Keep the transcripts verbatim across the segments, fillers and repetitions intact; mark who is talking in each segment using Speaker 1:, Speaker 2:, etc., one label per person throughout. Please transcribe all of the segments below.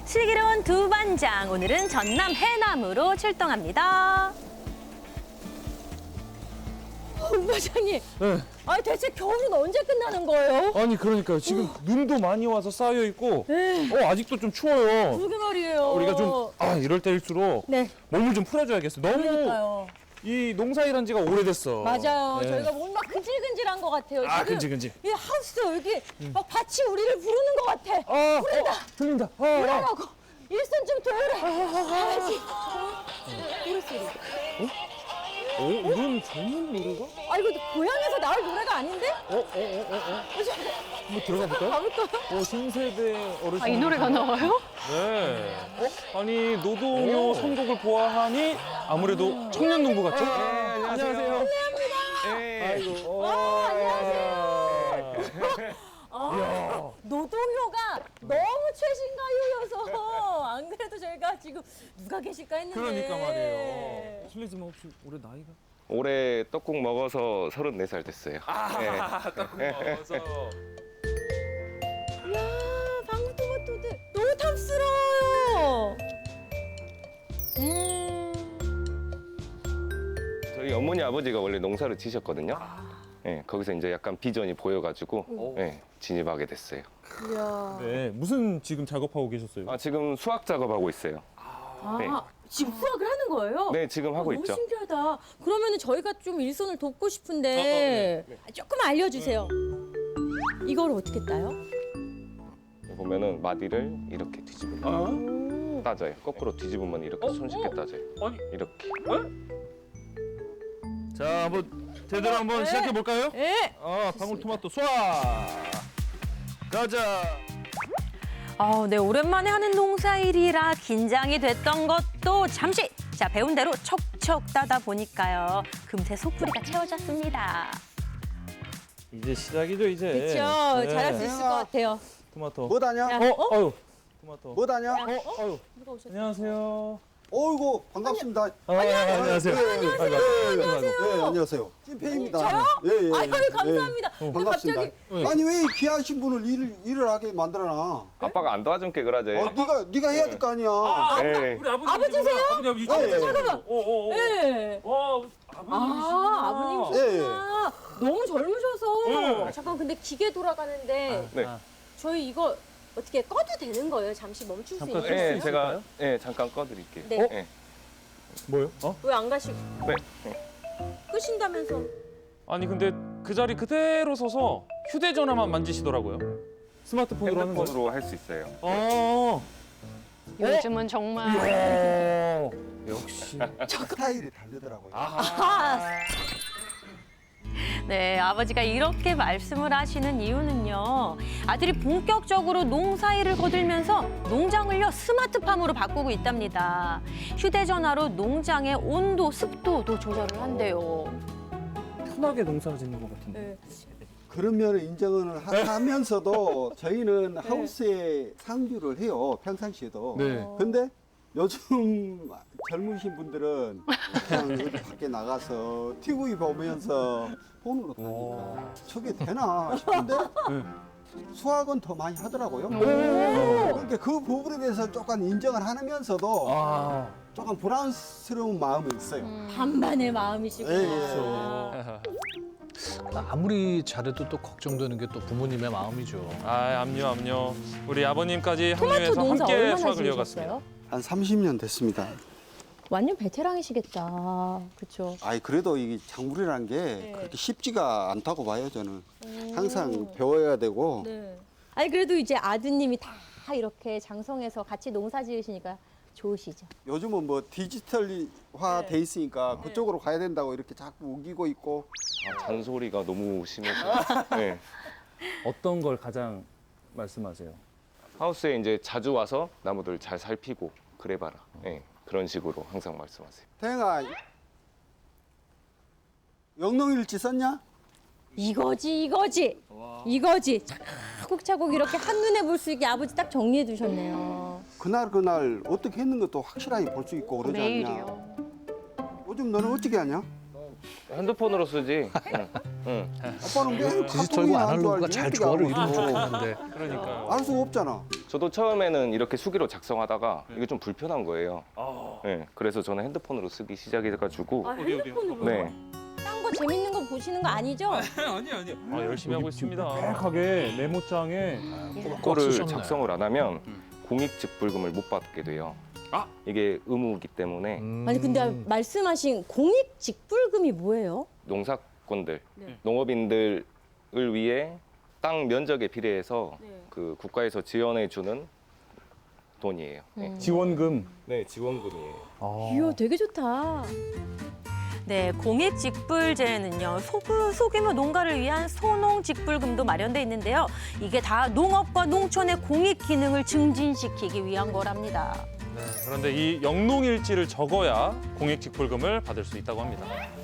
Speaker 1: 슬기로운 두 반장, 오늘은 전남 해남으로 출동합니다.
Speaker 2: 어, 반장님.
Speaker 3: 네.
Speaker 2: 아니 대체 겨울은 언제 끝나는 거예요?
Speaker 3: 아니 그러니까요. 지금 눈도 많이 와서 쌓여 있고,
Speaker 2: 네.
Speaker 3: 어 아직도 좀 추워요.
Speaker 2: 그러게 말이에요.
Speaker 3: 우리가 좀 아 이럴 때일수록
Speaker 2: 네.
Speaker 3: 몸을 좀 풀어줘야겠어. 너무
Speaker 2: 그러니까요.
Speaker 3: 이 농사일한 지가 오래됐어.
Speaker 2: 맞아요.
Speaker 3: 네.
Speaker 2: 저희가 뭔가 근질근질한 것 같아요.
Speaker 3: 아
Speaker 2: 지금
Speaker 3: 근질근질.
Speaker 2: 이 하우스 여기 막 밭이 우리를 부르는 것 같아.
Speaker 3: 아
Speaker 2: 부른다.
Speaker 3: 어, 들린다. 아, 아.
Speaker 2: 부르라고. 일손 좀 도우래. 해야지. 노래 소리.
Speaker 3: 어 이런 젊은 노래가?
Speaker 2: 아 이거 고향에서 나올 노래가 아닌데?
Speaker 3: 어어어어 어, 어, 어. 한번 들어가 볼까요?
Speaker 2: 가볼까요?
Speaker 3: 어 신세대 어르신.
Speaker 1: 아, 이 노래가 나와요?
Speaker 3: 네. 어? 아니 노동요 선곡을 보아하니 아무래도 청년 농부 같죠? 네, 안녕하세요.
Speaker 4: 네.
Speaker 3: 아이고.
Speaker 2: 아, 안녕하세요.
Speaker 3: 이야.
Speaker 2: 아, 노동요가 너무 최신가요여서 안 그래도 저희가 지금 누가 계실까 했는데.
Speaker 3: 그러니까 말이에요. 실례지만 혹시 올해 나이가?
Speaker 4: 올해 떡국 먹어서 서른네 살 됐어요.
Speaker 3: 아, 딱 먹어서.
Speaker 2: 이야, 방울토마토들 너무 탐스러워요. 음.
Speaker 4: 저희 어머니 아버지가 원래 농사를 지셨거든요. 네, 거기서 이제 약간 비전이 보여가지고 네, 진입하게 됐어요.
Speaker 2: 이야.
Speaker 3: 네, 무슨 지금 작업하고 계셨어요?
Speaker 4: 아, 지금 수학 작업하고 있어요.
Speaker 2: 아,
Speaker 4: 네.
Speaker 2: 지금 수학을 하는 거예요?
Speaker 4: 네, 지금 하고
Speaker 2: 어, 너무
Speaker 4: 있죠.
Speaker 2: 신기하다. 그러면은 저희가 좀 일손을 돕고
Speaker 3: 어,
Speaker 2: 싶은데 조금 알려주세요. 이걸 어떻게 따요?
Speaker 4: 보면은 마디를 이렇게 뒤집으면
Speaker 3: 아?
Speaker 4: 따져요. 거꾸로 뒤집으면 이렇게
Speaker 3: 어?
Speaker 4: 손쉽게
Speaker 3: 어?
Speaker 4: 따져요.
Speaker 3: 아니,
Speaker 4: 이렇게.
Speaker 3: 자, 한번 제대로 한번
Speaker 2: 네.
Speaker 3: 시작해 볼까요?
Speaker 2: 예.
Speaker 3: 아, 방울토마토 쏴. 가자.
Speaker 1: 아, 네, 오랜만에 하는 농사일이라 긴장이 됐던 것도 잠시 자 배운 대로 척척 따다 보니까요. 금세 속풀이가 채워졌습니다.
Speaker 3: 이제 시작이죠, 이제.
Speaker 2: 그렇죠.
Speaker 3: 네.
Speaker 2: 잘할 수 있을 것 같아요.
Speaker 3: 토마토.
Speaker 5: 뭐 다냐?
Speaker 2: 야,
Speaker 3: 어, 아유. 토마토.
Speaker 5: 뭐 다냐?
Speaker 3: 어, 아유.
Speaker 2: 누가 오셨어요?
Speaker 3: 안녕하세요.
Speaker 5: 어이구 반갑습니다.
Speaker 3: 아, 안녕하세요.
Speaker 5: 네, 안녕하세요.
Speaker 3: 아이고, 아이고, 아이고.
Speaker 5: 네, 안녕하세요. 찐팬입니다.
Speaker 2: 저요?
Speaker 5: 예, 예.
Speaker 2: 아유, 감사합니다.
Speaker 3: 어.
Speaker 2: 근데
Speaker 5: 반갑습니다.
Speaker 2: 갑자기
Speaker 5: 아니 왜 귀하신 분을 일을 일을 하게 만들어놔?
Speaker 4: 아빠가 안 도와준 게 그러죠.
Speaker 5: 어, 네가 네가 해야 될 거 아니야.
Speaker 4: 네.
Speaker 3: 우리 아버지.
Speaker 2: 아버지세요?
Speaker 3: 아버지, 아버지.
Speaker 5: 아, 예.
Speaker 2: 잠깐만.
Speaker 3: 오, 오, 오.
Speaker 2: 예.
Speaker 3: 와,
Speaker 2: 아, 아버님이셨구나. 너무 젊으셔서.
Speaker 3: 네.
Speaker 2: 잠깐 근데 기계 돌아가는데
Speaker 4: 네.
Speaker 2: 저희 이거 어떻게 꺼도 되는 거예요? 잠시 멈출 수
Speaker 3: 잠깐
Speaker 2: 있어요?
Speaker 4: 네, 제가 네, 잠깐 꺼드릴게요.
Speaker 2: 네.
Speaker 4: 네.
Speaker 3: 뭐요? 어?
Speaker 2: 왜 안 가시고
Speaker 4: 네.
Speaker 2: 끄신다면서?
Speaker 3: 아니 근데 그 자리 그대로 서서 휴대전화만 만지시더라고요. 스마트폰으로 하는 거.
Speaker 4: 핸드폰으로 할 수 있어요.
Speaker 3: 어.
Speaker 1: 요즘은 정말
Speaker 3: 이야. 역시.
Speaker 5: 스타일이 다르더라고요.
Speaker 1: 네, 아버지가 이렇게 말씀을 하시는 이유는요. 아들이 본격적으로 농사일을 거들면서 농장을요 스마트팜으로 바꾸고 있답니다. 휴대전화로 농장의 온도, 습도도 조절을 한대요.
Speaker 3: 편하게 농사를 짓는 것 같은데.
Speaker 2: 네.
Speaker 5: 그런 면을 인정을 하- 하면서도 저희는 하우스에 상주를 해요. 평상시에도.
Speaker 3: 네.
Speaker 5: 근데 요즘 젊으신 분들은 그냥 어디 밖에 나가서 티비 보면서 폰으로 타니까 저게 되나 싶은데
Speaker 3: 네.
Speaker 5: 수학은 더 많이 하더라고요. 그러니까 그 부분에 대해서 조금 인정을 하면서도
Speaker 3: 아.
Speaker 5: 조금 불안스러운 마음이 있어요.
Speaker 2: 반반의 마음이시구나.
Speaker 5: 예, 예.
Speaker 6: 아무리 잘해도 또 걱정되는 게 또 부모님의 마음이죠.
Speaker 3: 아, 압류, 압류. 우리 아버님까지
Speaker 2: 토마토
Speaker 3: 합류해서
Speaker 2: 농사
Speaker 3: 함께
Speaker 2: 얼마나
Speaker 3: 수확을 이어갔습니다.
Speaker 2: 지으셨어요?
Speaker 5: 한 삼십 년 됐습니다.
Speaker 2: 완전 베테랑이시겠다. 그렇죠.
Speaker 5: 아이 그래도 이게 작물이라는 게
Speaker 2: 네.
Speaker 5: 그렇게 쉽지가 않다고 봐요 저는. 항상 배워야 되고
Speaker 2: 네. 아니 그래도 이제 아드님이 다 이렇게 장성해서 같이 농사 지으시니까 좋으시죠.
Speaker 5: 요즘은 뭐 디지털화 돼 있으니까 그쪽으로 가야 된다고 이렇게 자꾸 우기고 있고.
Speaker 4: 아, 잔소리가 너무 심해서. 네.
Speaker 3: 어떤 걸 가장 말씀하세요?
Speaker 4: 하우스에 이제 자주 와서 나무들 잘 살피고 그래봐라. 네, 그런 식으로 항상 말씀하세요.
Speaker 5: 태영아, 영농일지 썼냐?
Speaker 2: 이거지 이거지 이거지 차곡차곡 이렇게 한눈에 볼 수 있게 아버지 딱 정리해 두셨네요.
Speaker 5: 그날 그날 어떻게 했는 것도 확실하게 볼 수 있고 그러지 않냐?
Speaker 1: 매일이요.
Speaker 5: 요즘 너는 어떻게 하냐?
Speaker 4: 핸드폰으로 쓰지. 응. 응.
Speaker 5: 아빠는 왜
Speaker 6: 디지털과
Speaker 5: 카톡이나 할 줄
Speaker 6: 아날로그가
Speaker 5: 알지?
Speaker 6: 잘
Speaker 5: 어떻게
Speaker 6: 조화를
Speaker 5: 알아?
Speaker 6: 이루면 좋겠는데
Speaker 3: 그러니까요.
Speaker 5: 알 수가 없잖아.
Speaker 4: 저도 처음에는 이렇게 수기로 작성하다가 이게 좀 불편한 거예요.
Speaker 3: 아,
Speaker 4: 네, 그래서 저는 핸드폰으로 쓰기 시작해가지고
Speaker 2: 아,
Speaker 3: 어디, 어디,
Speaker 2: 핸드폰으로.
Speaker 4: 네,
Speaker 2: 딴 거 재밌는 거 보시는 거 아니죠?
Speaker 3: 아니 아니. 아 열심히 하고 있습니다. 빽하게 메모장에
Speaker 4: 그거를
Speaker 6: 쓰셨네.
Speaker 4: 작성을 안 하면 공익직불금을 못 받게 돼요.
Speaker 3: 아!
Speaker 4: 이게 의무이기 때문에
Speaker 6: 음.
Speaker 2: 아니 근데 말씀하신 공익 직불금이 뭐예요?
Speaker 4: 농사꾼들,
Speaker 2: 네.
Speaker 4: 농업인들을 위해 땅 면적에 비례해서
Speaker 2: 네.
Speaker 4: 그 국가에서 지원해 주는 돈이에요. 네.
Speaker 2: 음.
Speaker 3: 지원금.
Speaker 4: 네, 지원금이에요.
Speaker 3: 아.
Speaker 2: 이야 되게 좋다.
Speaker 1: 네, 공익직불제는요, 소규, 소규모 농가를 위한 소농직불금도 마련돼 있는데요. 이게 다 농업과 농촌의 공익 기능을 증진시키기 위한 거랍니다.
Speaker 3: 네, 그런데 이 영농일지를 적어야 공익직불금을 받을 수 있다고 합니다.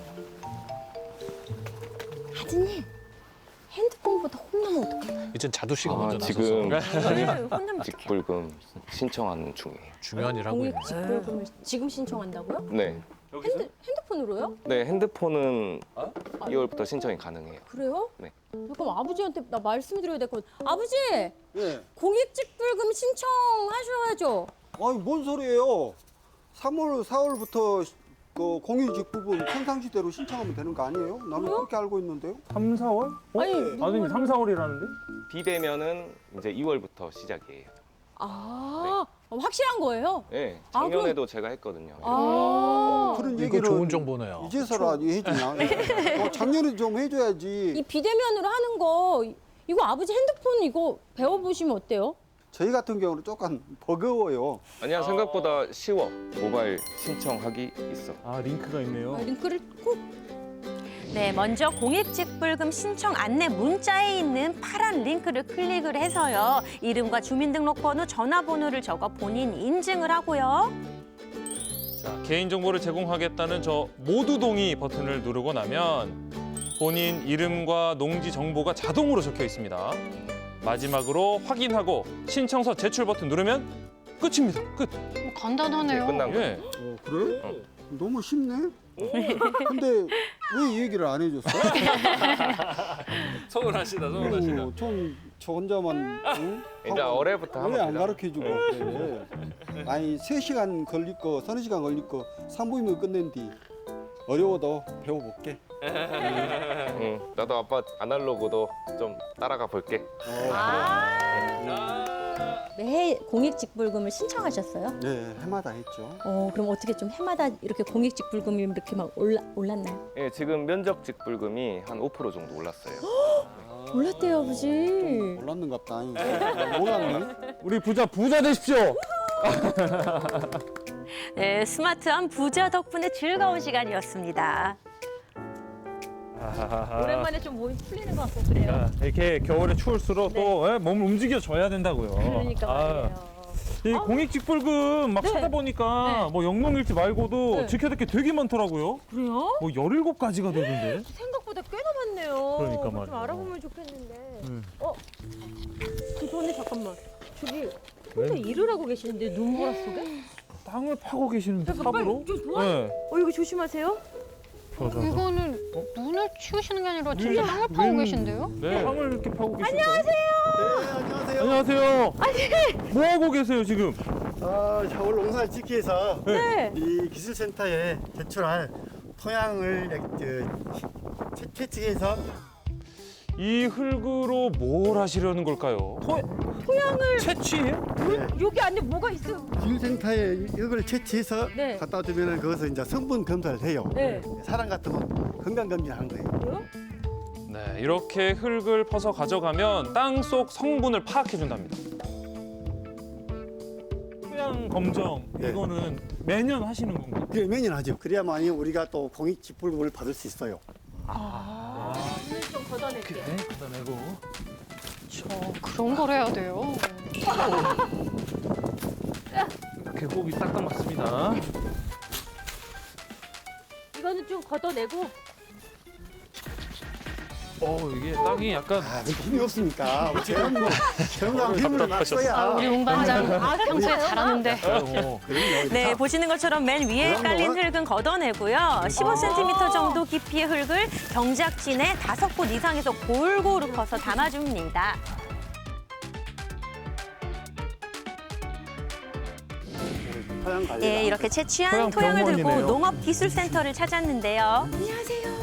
Speaker 2: 하진이 핸드폰보다 혼나면 어떡해?
Speaker 6: 이젠 자두 씨가
Speaker 4: 아,
Speaker 6: 먼저 나서서
Speaker 4: 지금
Speaker 1: 혼나면 어떡해.
Speaker 4: 직불금 신청하는 중이에요.
Speaker 6: 중요한 일 하고
Speaker 2: 공익
Speaker 6: 있네.
Speaker 2: 직불금을 지금 신청한다고요?
Speaker 4: 네,
Speaker 2: 핸드, 핸드폰으로요?
Speaker 4: 네 핸드폰은
Speaker 2: 아.
Speaker 4: 이월부터 신청이 가능해요.
Speaker 2: 그래요?
Speaker 4: 네.
Speaker 2: 그럼 아버지한테 나 말씀드려야 될 것 같아. 아버지
Speaker 5: 예.
Speaker 2: 공익 직불금 신청하셔야죠.
Speaker 5: 아니 뭔 소리예요? 삼월, 사월부터 그 공익직불금 평상시대로 신청하면 되는 거 아니에요? 나는 그렇게 알고 있는데요.
Speaker 3: 삼, 사월?
Speaker 2: 아니
Speaker 3: 아니 삼, 사월이라는데?
Speaker 4: 비대면은 이제 이월부터 시작이에요.
Speaker 2: 아 확실한 거예요?
Speaker 4: 네,
Speaker 2: 아,
Speaker 4: 작년에도 제가 했거든요.
Speaker 2: 아
Speaker 5: 그런
Speaker 6: 이거
Speaker 5: 얘기를
Speaker 6: 좋은 정보네요.
Speaker 5: 이제서라 해주냐? 어, 작년에 좀 해줘야지.
Speaker 2: 이 비대면으로 하는 거 이거 아버지 핸드폰 이거 배워보시면 어때요?
Speaker 5: 저희 같은 경우는 조금 버거워요.
Speaker 4: 아니야, 생각보다 쉬워. 모바일 신청하기 있어.
Speaker 3: 아 링크가 있네요.
Speaker 2: 아, 링크를 꼭
Speaker 1: 네, 먼저 공익직불금 신청 안내 문자에 있는 파란 링크를 클릭을 해서요. 이름과 주민등록번호, 전화번호를 적어 본인 인증을 하고요.
Speaker 3: 자, 개인정보를 제공하겠다는 저 모두 동의 버튼을 누르고 나면 본인 이름과 농지 정보가 자동으로 적혀 있습니다. 마지막으로 확인하고 신청서 제출 버튼 누르면 끝입니다. 끝.
Speaker 4: 이제
Speaker 7: 간단하네요.
Speaker 4: 끝난 거예요.
Speaker 3: 예.
Speaker 5: 어, 그래?
Speaker 4: 어.
Speaker 5: 너무 쉽네. 근데 왜 이 얘기를 안 해줬어?
Speaker 3: 서운하시다,
Speaker 5: 어, 좀저 혼자만 응?
Speaker 4: 이제
Speaker 5: 하고
Speaker 4: 올해부터 하면
Speaker 5: 왜안
Speaker 4: 되잖아.
Speaker 5: 가르쳐주고 그래? 아니 세 시간 걸릴 거, 서너 시간 걸릴 거 삼 분이면 끝낸 뒤 어려워도 배워볼게.
Speaker 4: 응, 나도 아빠 아날로그도 좀 따라가 볼게.
Speaker 2: 매 공익 직불금을 신청하셨어요?
Speaker 5: 네, 해마다 했죠.
Speaker 2: 어 그럼 어떻게 좀 해마다 이렇게 공익 직불금이 이렇게 막 올라 올랐나요?
Speaker 4: 예, 지금 면적 직불금이 한 오 퍼센트 정도 올랐어요.
Speaker 2: 올랐대요 아버지.
Speaker 5: 몰랐는갑다. 몰랐네.
Speaker 3: 우리 부자 부자 되십시오.
Speaker 1: 네, 스마트한 부자 덕분에 즐거운 시간이었습니다.
Speaker 2: 오랜만에 좀 몸이 풀리는 것 같고 그래요.
Speaker 3: 아, 이렇게 겨울에 추울수록 또 예, 몸을 움직여줘야 된다고요.
Speaker 2: 그러니까
Speaker 3: 아,
Speaker 2: 말이에요.
Speaker 3: 이 공익직불금 막
Speaker 2: 네.
Speaker 3: 찾아보니까
Speaker 2: 네.
Speaker 3: 뭐 영농일지 말고도
Speaker 2: 네.
Speaker 3: 지켜야 될 게 되게 많더라고요.
Speaker 2: 그래요?
Speaker 3: 뭐 열일곱 가지가 되던데.
Speaker 2: 생각보다 꽤나 많네요.
Speaker 3: 그러니까
Speaker 2: 좀
Speaker 3: 말이에요.
Speaker 2: 알아보면 좋겠는데.
Speaker 3: 음.
Speaker 2: 어? 죄송한데 잠깐만. 저기 혼자 일을 하고 계시는데 눈보라 속에?
Speaker 3: 땅을 파고 계시는데
Speaker 2: 잠깐, 빨리
Speaker 3: 삽으로?
Speaker 2: 좀 도와.
Speaker 3: 네.
Speaker 2: 어 이거 조심하세요.
Speaker 3: 저, 저, 저.
Speaker 7: 이거는 눈을 치우시는 게 아니라 진짜 땅을 파고
Speaker 3: 눈-
Speaker 7: 계신데요?
Speaker 3: 네. 땅을 이렇게 파고 계시죠. 안녕하세요. 안녕하세요. 아니. 뭐 하고 계세요 지금?
Speaker 8: 어, 서울 농사를 짓기 위해서
Speaker 2: 네.
Speaker 8: 이 기술센터에 제출할 토양을 그, 채- 채취해서
Speaker 3: 이 흙으로 뭘 하시려는 걸까요? 토,
Speaker 2: 토양을
Speaker 3: 채취해요?
Speaker 2: 여기 안에 뭐가 있어요?
Speaker 8: 기술센터에 이걸 채취해서
Speaker 2: 네.
Speaker 8: 갖다 주면은 그것을 이제 성분 검사를 해요.
Speaker 2: 네.
Speaker 8: 사람 같으면 건강 검진하는 거예요.
Speaker 3: 네, 이렇게 흙을 퍼서 가져가면 땅 속 성분을 파악해 준답니다. 토양 검정
Speaker 8: 네.
Speaker 3: 이거는 매년 하시는 건가요?
Speaker 8: 그게 매년 하죠. 그래야만이 우리가 또 공익직불금을 받을 수 있어요.
Speaker 2: 눈을 좀 걷어낼게요.
Speaker 3: 네, 걷어내고.
Speaker 7: 저 그런 걸 해야 돼요.
Speaker 3: 이렇게 호흡이 딱딱 맞습니다.
Speaker 2: 이거는 좀 걷어내고.
Speaker 3: 어, 이게 땅이 약간
Speaker 8: 아, 힘이 없으니까 저런 거 저런 거 힘을 막 써야.
Speaker 7: 우리 운반장
Speaker 2: 아,
Speaker 7: 평소에 잘하는데.
Speaker 3: 어,
Speaker 1: 네, 보시는 것처럼 맨 위에
Speaker 8: 그런
Speaker 1: 깔린
Speaker 8: 거는-
Speaker 1: 흙은 걷어내고요. 십오 센티미터 정도 깊이의 흙을 경작진에 다섯 곳 이상에서 골고루 퍼서 담아줍니다.
Speaker 8: 토양 관리.
Speaker 1: 네, 이렇게 채취한
Speaker 3: 토양
Speaker 1: 토양을 들고
Speaker 3: 병원이네요.
Speaker 1: 농업기술센터를 찾았는데요.
Speaker 2: 안녕하세요.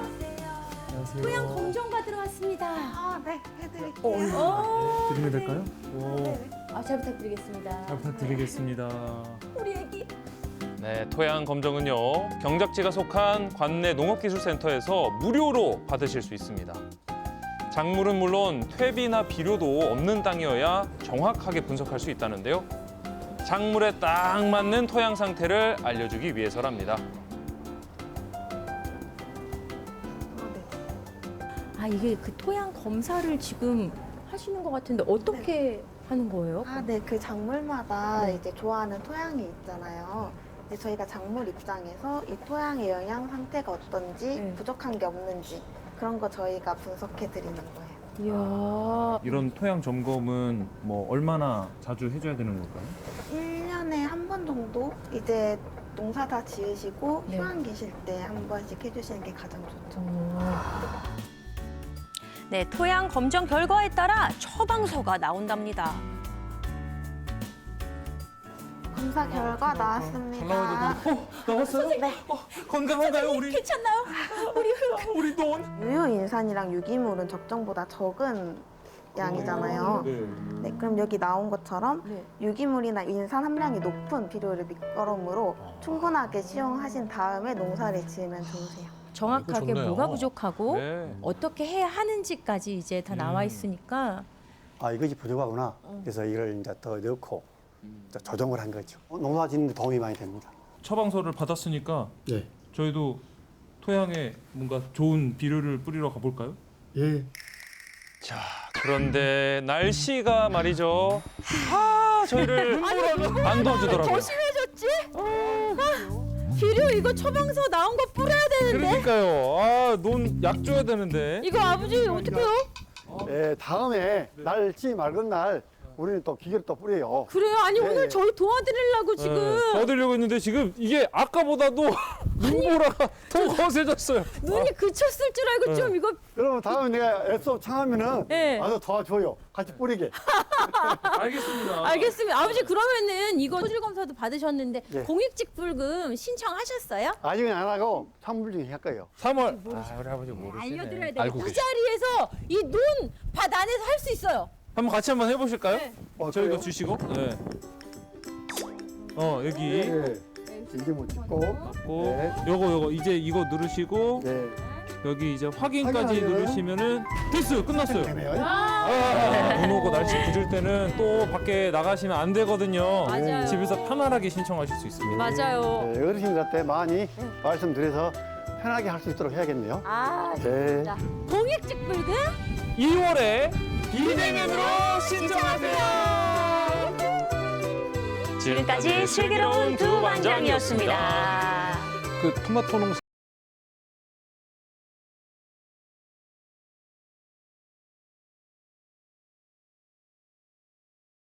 Speaker 2: 토양 검정 받으러 왔습니다.
Speaker 9: 아, 네, 해드릴게요.
Speaker 2: 어,
Speaker 3: 드리면 될까요?
Speaker 2: 아, 잘 부탁드리겠습니다.
Speaker 3: 부탁드리겠습니다.
Speaker 2: 우리 애기.
Speaker 3: 네, 토양 검정은요. 경작지가 속한 관내 농업기술센터에서 무료로 받으실 수 있습니다. 작물은 물론 퇴비나 비료도 없는 땅이어야 정확하게 분석할 수 있다는데요. 작물에 딱 맞는 토양 상태를 알려주기 위해서랍니다.
Speaker 2: 아, 이게 그 토양 검사를 지금 하시는 것 같은데 어떻게 하는 거예요?
Speaker 9: 아, 네, 그 작물마다
Speaker 2: 네.
Speaker 9: 이제 좋아하는 토양이 있잖아요. 이제 저희가 작물 입장에서 이 토양의 영양 상태가 어떤지,
Speaker 2: 네.
Speaker 9: 부족한 게 없는지 그런 거 저희가 분석해 드리는 거예요.
Speaker 2: 이야.
Speaker 3: 이런 토양 점검은 뭐 얼마나 자주 해줘야 되는 걸까요?
Speaker 9: 일 년에 한 번 정도 이제 농사 다 지으시고
Speaker 2: 네.
Speaker 9: 휴양 계실 때 한 번씩 해주시는 게 가장 좋죠.
Speaker 1: 네, 토양 검정 결과에 따라 처방서가 나온답니다.
Speaker 9: 검사 결과 나왔습니다.
Speaker 3: 나왔어요?
Speaker 9: 네.
Speaker 3: 건강한가요, 우리?
Speaker 2: 괜찮나요?
Speaker 3: 우리 돈?
Speaker 9: 유효인산이랑 유기물은 적정보다 적은 양이잖아요. 네, 그럼 여기 나온 것처럼
Speaker 2: 네.
Speaker 9: 유기물이나 인산 함량이 높은 비료를 밑거름으로 충분하게 시용하신 다음에 농사를 지으면 좋으세요.
Speaker 2: 정확하게
Speaker 6: 이거 좋네요.
Speaker 2: 뭐가 부족하고
Speaker 3: 네.
Speaker 2: 어떻게 해야 하는지까지 이제 다 나와 있으니까
Speaker 8: 아, 이것이 부족하구나. 그래서 이걸 이제 더 넣고 이제 조정을 한 거죠. 농사 짓는 데 도움이 많이 됩니다.
Speaker 3: 처방서를 받았으니까
Speaker 8: 예.
Speaker 3: 저희도 토양에 뭔가 좋은 비료를 뿌리러 가볼까요?
Speaker 8: 예.
Speaker 3: 자, 그런데 날씨가 말이죠. 아, 저희를 안 도와주더라고요.
Speaker 2: 더 심해졌지? 아, 비료 이거 처방서 나온 거 뿌려야 되는데
Speaker 3: 그러니까요. 아, 논 약 줘야 되는데.
Speaker 2: 이거 아버지 어떡해요?
Speaker 8: 예, 다음에 날씨 맑은 날 우리는 또 기계를 또 뿌려요.
Speaker 2: 그래요? 아니
Speaker 8: 네.
Speaker 2: 오늘 저희 도와드리려고 지금
Speaker 3: 네, 도와드리려고 했는데 지금 이게 아까보다도 눈보라가 더 거세졌어요.
Speaker 2: 눈이 그쳤을 줄 알고
Speaker 3: 네.
Speaker 2: 좀 이거
Speaker 8: 그러면 다음에 내가 애써 청하면은
Speaker 2: 네.
Speaker 8: 와서 도와줘요. 같이 뿌리게.
Speaker 3: 알겠습니다.
Speaker 2: 알겠습니다. 아버지 그러면은 이거 소질 검사도 받으셨는데
Speaker 8: 네.
Speaker 2: 공익직불금 신청하셨어요?
Speaker 8: 아직은 안 하고 삼 일 중에 할 거예요.
Speaker 3: 삼월. 아, 우리 아버지 모르시네.
Speaker 2: 알려드려야 돼요.
Speaker 3: 알고
Speaker 2: 이
Speaker 3: 계시.
Speaker 2: 자리에서 이 눈 밭 안에서 할 수 있어요.
Speaker 3: 한번 같이 한번 해보실까요?
Speaker 2: 네.
Speaker 8: 어,
Speaker 3: 저희가
Speaker 8: 그래요?
Speaker 3: 주시고. 네. 어, 여기.
Speaker 8: 예. 이제 뭐 찍고.
Speaker 3: 고
Speaker 8: 네.
Speaker 3: 요거 요거 이제 이거 누르시고
Speaker 8: 네.
Speaker 3: 여기 이제 확인까지
Speaker 8: 확인하면은
Speaker 3: 누르시면은 됐어요. 끝났어요.
Speaker 8: 되네요.
Speaker 3: 아, 눈 오고 날씨 굳을 때는 또 밖에 나가시면 안 되거든요.
Speaker 2: 맞아요.
Speaker 3: 집에서 편안하게 신청하실 수 있습니다.
Speaker 2: 맞아요.
Speaker 8: 네, 어르신들한테 많이 말씀드려서 편하게 할 수 있도록 해야겠네요.
Speaker 2: 아
Speaker 8: 네.
Speaker 2: 진짜 공익직불금
Speaker 3: 이월에 비대면으로 신청하세요.
Speaker 1: 지금까지 슬기로운 두 반장이었습니다.
Speaker 6: 그 토마토 농사